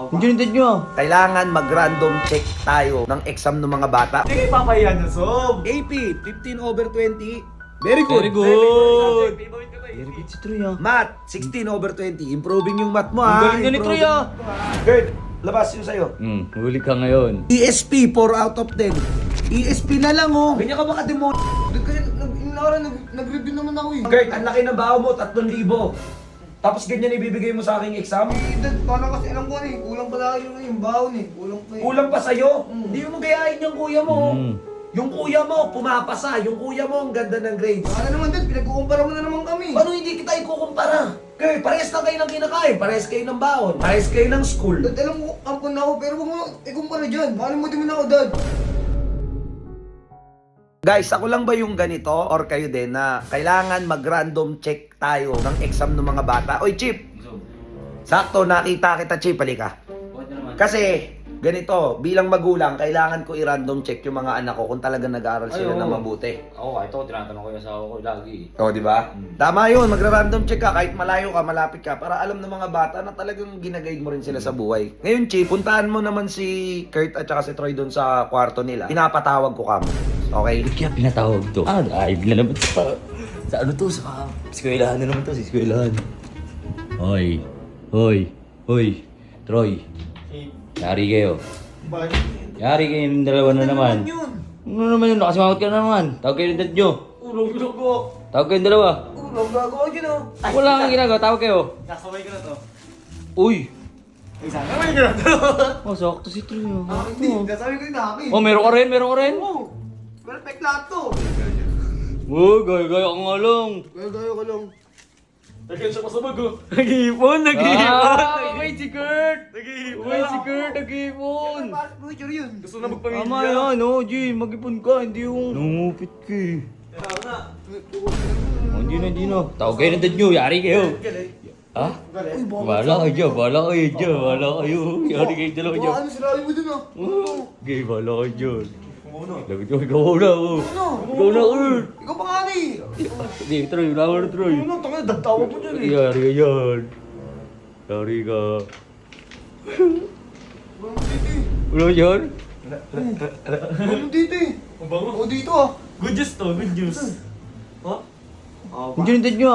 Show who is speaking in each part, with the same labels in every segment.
Speaker 1: Hindi nindad nyo.
Speaker 2: Kailangan mag-random check tayo ng exam ng mga bata.
Speaker 3: Hindi kayo papahiyan na, Sob.
Speaker 2: AP, 15/20. Very good.
Speaker 1: Very good.
Speaker 3: Favorite ka ba,
Speaker 1: Very
Speaker 3: AP?
Speaker 1: good si Troy ah.
Speaker 2: Math, 16/20. Improving yung math mo,
Speaker 1: Ang
Speaker 2: ha?
Speaker 1: galing na ni Troy ah.
Speaker 2: Gerd, labas yung sa'yo.
Speaker 1: Huli ka ngayon.
Speaker 2: ESP, 4 out of 10. ESP na lang, oh. Ganyan ka ba ka-demo?
Speaker 4: Kasi nag-review naman ako eh.
Speaker 2: Gerd, ang laki ng baho mo, 3,000. Tapos ganyan ibibigay mo sa aking exam?
Speaker 4: Dad, paano kasi alam ko eh, kulang pala yung baon eh. Kulang pa eh.
Speaker 2: Kulang pa sa'yo? Hindi mo gayahin yung kuya mo.
Speaker 1: Mm.
Speaker 2: Yung kuya mo, pumapasa. Yung kuya mo, ang ganda ng grades.
Speaker 4: Ano naman dad, pinagkukumpara mo na naman kami.
Speaker 2: Paano hindi kita ikukumpara? Kaya parehas lang kayo ng kinakain, parehas kayo ng baon, parehas kayo ng school.
Speaker 4: Dad, alam mo, ampun na ako, pero huwag mo ikumpara dyan. Makalimutin mo na ako, dad.
Speaker 2: Guys, ako lang ba yung ganito or kayo din na kailangan mag-random check tayo ng exam ng mga bata? Oy, Chip! Sakto, nakita kita, Chip. Halika. Kasi, ganito, bilang magulang, kailangan ko i-random check yung mga anak ko kung talagang nag-aaral sila na mabuti.
Speaker 5: Ako, kahit ako, tinatanong ko yung asawa ko lagi.
Speaker 2: O, di ba? Tama yun, magra-random check ka kahit malayo ka, malapit ka para alam ng mga bata na talagang ginaguide mo rin sila sa buhay. Ngayon, Chip, puntahan mo naman si Kurt at saka si Troy doon sa kwarto nila. Pinapatawag ko kamo. Okay?
Speaker 1: Kaya pinatawag to. Live na naman sa ano to, sa eskwelahan na naman to, sa eskwelahan. Hoy. Troy. Yari kayo. Yari kayong dalawa na naman. Ano naman yun? Nakasimangot ka na naman. Tawag kayo ng dad nyo.
Speaker 3: Ulong ko.
Speaker 1: Tawag kayong dalawa.
Speaker 4: Ulong gagawa yun oh.
Speaker 1: Wala kang ginagawa. Tawag kayo.
Speaker 3: Kasabay ko na to.
Speaker 1: Uy.
Speaker 3: Kasabay ko na to.
Speaker 1: Oh, sakto si Troy.
Speaker 4: Hindi, nasabi ko yung akin.
Speaker 1: Oh, meron ka rin.
Speaker 4: Oo. Perfect lahat to.
Speaker 1: Oh, gaya-gaya ka nga lang.
Speaker 4: Gaya ko lang.
Speaker 3: Lagyan siya pasabag, oh.
Speaker 1: Nag-iipon. Wait si Kurt.
Speaker 3: Nag-iipon.
Speaker 1: Wait si Kurt. Nag-iipon.
Speaker 4: Fast future yun.
Speaker 3: Gusto na magpamilya.
Speaker 1: Tama yan, oh, G. Mag-ipon ka. Hindi yung nangupit ka eh.
Speaker 3: Kaya na.
Speaker 1: Oh, hindi na. Tawag kayo ng dad nyo. Yari kayo. Ha? Bahala kayo dyan. Yari kayo dalawa dyan.
Speaker 4: Ano sinabi mo dun ah?
Speaker 1: Okay, bahala kayo dyan. Lagot ko, ikaw una ako. Ikaw na, Kurt.
Speaker 4: Ikaw pa nga eh.
Speaker 1: Hindi, Troy. Wala ka na, Troy.
Speaker 4: Ano, tanga, dadtawag mo dyan eh.
Speaker 1: Yari ka dyan. Yari ka.
Speaker 4: Walang dito eh.
Speaker 1: Wala ka dyan?
Speaker 4: Walang dito eh.
Speaker 3: Ang bango.
Speaker 4: O dito ah.
Speaker 3: Good news to, good news. Oh?
Speaker 1: Hindi yung dad nyo.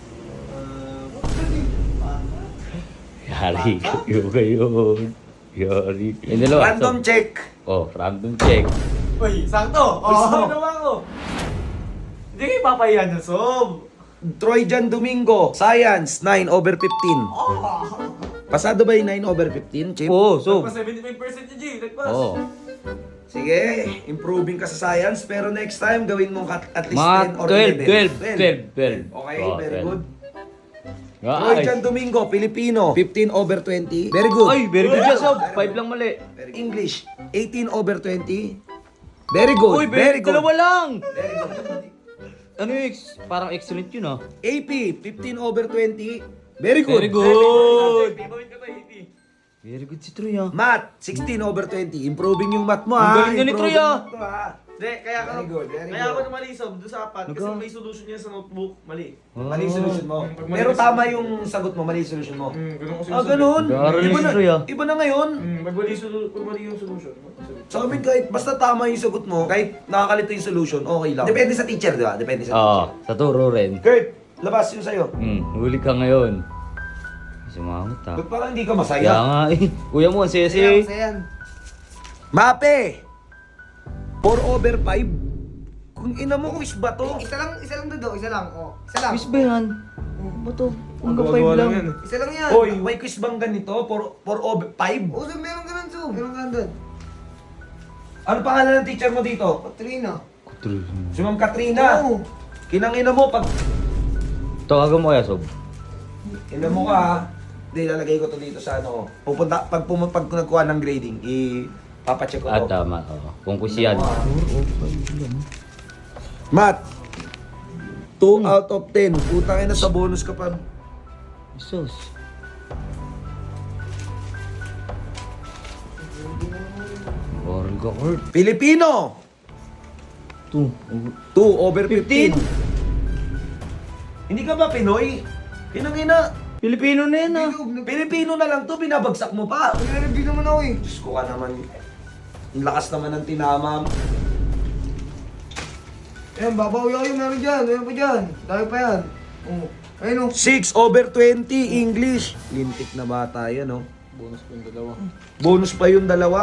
Speaker 1: Yari kayo. Yari. Yung dalawa.
Speaker 2: Random check.
Speaker 1: Oh, random check.
Speaker 3: Uy, sakto. Gusto na naman ako. Hindi kayo papahiyan na, Sob.
Speaker 2: Troy Jan Domingo, Science, 9/15. Pasado ba yung 9/15, Chip?
Speaker 1: Oo, so.
Speaker 3: Nagpa 75% yung G. Nagpas.
Speaker 1: Oo.
Speaker 2: Sige, improving ka sa science, pero next time gawin mo at least
Speaker 1: Mga
Speaker 2: 10 or
Speaker 1: 12.
Speaker 2: 11. Okay, very good.
Speaker 1: Ay,
Speaker 2: Troy Jan Domingo, Filipino, 15/20. Very good.
Speaker 1: ay, very good yan, Sob. 5 lang mali.
Speaker 2: English, 18/20. Very good,
Speaker 1: Uy,
Speaker 2: very good.
Speaker 1: dalawa lang.
Speaker 2: Very good.
Speaker 1: Ano yung parang excellent yun ah.
Speaker 2: AP, 15/20. Very good.
Speaker 1: Very good.
Speaker 3: Favorite ka ba, AP?
Speaker 1: Very good si Troy ah.
Speaker 2: Math, 16/20. Improving yung math mo,
Speaker 1: Ang
Speaker 2: ha?
Speaker 1: galing na ni Troy,
Speaker 2: Improving
Speaker 1: ah.
Speaker 2: yung math mo, ha?
Speaker 3: Hindi, kaya ako,
Speaker 2: Very good, very
Speaker 3: kaya
Speaker 2: good.
Speaker 3: ako namali, Sob, doon sa apat. Kasi may solution niya sa notebook. Mali.
Speaker 2: Mali yung solution mo.
Speaker 3: Pag mali
Speaker 2: Pero
Speaker 3: yung
Speaker 2: tama yung sagot mo, mali yung solution mo.
Speaker 3: Ganun kasi
Speaker 2: Ah, ganun.
Speaker 1: Nag-aaral
Speaker 2: Iba
Speaker 1: si
Speaker 2: na,
Speaker 1: Troy, ah.
Speaker 2: iba na ngayon.
Speaker 3: Pag mali yung solution.
Speaker 2: Sa amin kahit basta tama yung sagot mo, kahit nakakalito yung solution, okay lang. Depende sa teacher, di ba? Depende sa
Speaker 1: Oo,
Speaker 2: teacher.
Speaker 1: sa turo rin.
Speaker 2: Kurt, labas yung sa'yo.
Speaker 1: Huli ka ngayon. Sumangot ah.
Speaker 2: Ba't parang hindi ka
Speaker 1: Kaya
Speaker 2: masaya?
Speaker 1: nga eh. Kuya mo, ang
Speaker 4: Sayan,
Speaker 1: sesi.
Speaker 4: sayan.
Speaker 2: Mape! 4/5? Kung ina mo, quiz ba to?
Speaker 4: Isa lang doon, isa lang. Oh, isa lang.
Speaker 1: Quiz ba yan? Bato, hanggang 5
Speaker 3: Magawa
Speaker 1: lang.
Speaker 3: yan.
Speaker 4: Isa lang yan.
Speaker 2: Hoy, may quiz bang ganito? 4/5?
Speaker 4: O, so meron ka nun, so. Meron ka nun doon.
Speaker 2: Ano pangalan ng teacher mo dito?
Speaker 4: Katrina.
Speaker 2: Si Ma'am Katrina.
Speaker 4: Oo.
Speaker 2: Kinangina mo, pag
Speaker 1: Tawagan mo kaya, Sob.
Speaker 2: ina mo ka, ha? Hindi, lalagay ko to dito sa ano. Pupunta, pag nagkuha ng grading, ipapacheck ko
Speaker 1: Ah,
Speaker 2: to.
Speaker 1: tama. Oo. Kung quiz yan.
Speaker 2: Matt, 2 out of 10. Putang ina, sa bonus ka pa.
Speaker 1: Jesus. Oral ka, Kurt.
Speaker 2: Filipino,
Speaker 1: 2.
Speaker 2: 2/15. Hindi ka ba Pinoy? Kinangina,
Speaker 3: Pilipino na yan ah.
Speaker 2: Pilipino na lang to, binabagsak mo pa.
Speaker 4: Nag-review naman ako eh.
Speaker 2: Diyos ko ka naman. Ang lakas naman ng tinama mo.
Speaker 4: Ayan, babawi ako yung meron dyan. Meron pa dyan. Dami pa yan. Oh. Ayun oh.
Speaker 2: 6/20 English. Lintik na bata yan, oh.
Speaker 3: Bonus pa yung dalawa.
Speaker 2: Bonus pa yung dalawa.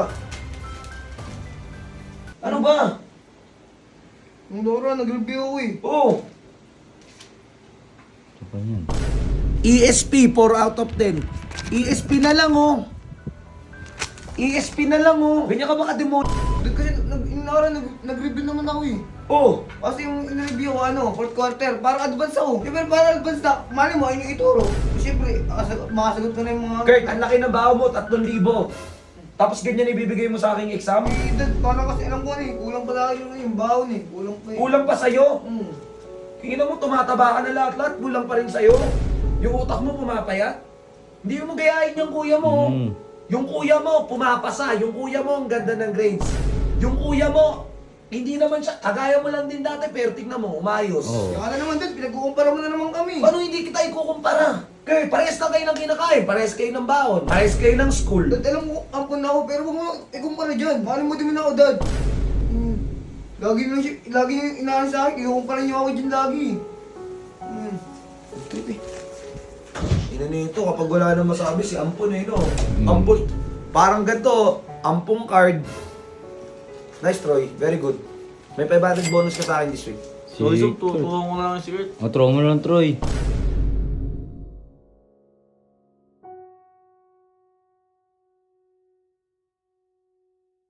Speaker 2: Ano ba?
Speaker 4: Ang Dora, nag-review ako eh.
Speaker 2: Oh,
Speaker 1: Ito pa yan.
Speaker 2: ESP 4 out of 10. ESP na lang, oh. ESP na lang, oh. Ganyan ka ba ka-demote?
Speaker 4: Kasi nag-review naman ako eh.
Speaker 2: Oh,
Speaker 4: Kasi yung in-review ko, fourth quarter, parang advance ako. Siyempre, parang advance na, mali mo, ayun yung ituro. Siyempre, makasagot ko na yung mga...
Speaker 2: Kurt, ang laki ng baho mo, 3,000. Tapos ganyan ibibigay mo sa aking exam?
Speaker 4: Eh, parang kasi alam ko na eh, kulang pala yung baon eh. Kulang pa eh.
Speaker 2: Kulang pa sa'yo.
Speaker 4: Hmm.
Speaker 2: Tingnan mo, tumataba ka na lahat-lahat, kulang pa rin sa'yo. Yung utak mo pumapayat. Hindi mo gayahin yung kuya mo.
Speaker 1: Mm.
Speaker 2: Yung kuya mo, pumapasa. Yung kuya mo, ang ganda ng grades. Yung kuya mo, hindi naman siya, kagaya mo lang din dati, pero tignan mo, umayos.
Speaker 1: Oo.
Speaker 4: Kaya na naman doon, pinagkukumpara mo na naman kami.
Speaker 2: Paano hindi kita ikukumpara? Kaya parehas na kayo ng kinakain, parehas kayo ng baon, parehas kayo ng school.
Speaker 4: Dad, alam mo, ampun na ako, pero huwag mo ikumpara dyan. Mali mo din ako, Dad. Lagi yung inaalis sa akin, ikukumpara niyo ako dyan lagi.
Speaker 2: Ina nito, kapag wala nang masabi, si Ampon no? Ampon, parang ganito, Ampong card. Nice, Troy. Very good. May 500 bonus ka sa akin this week.
Speaker 3: So, isang tutuwa ko na lang si Kurt.
Speaker 1: O, throw mo lang, Troy.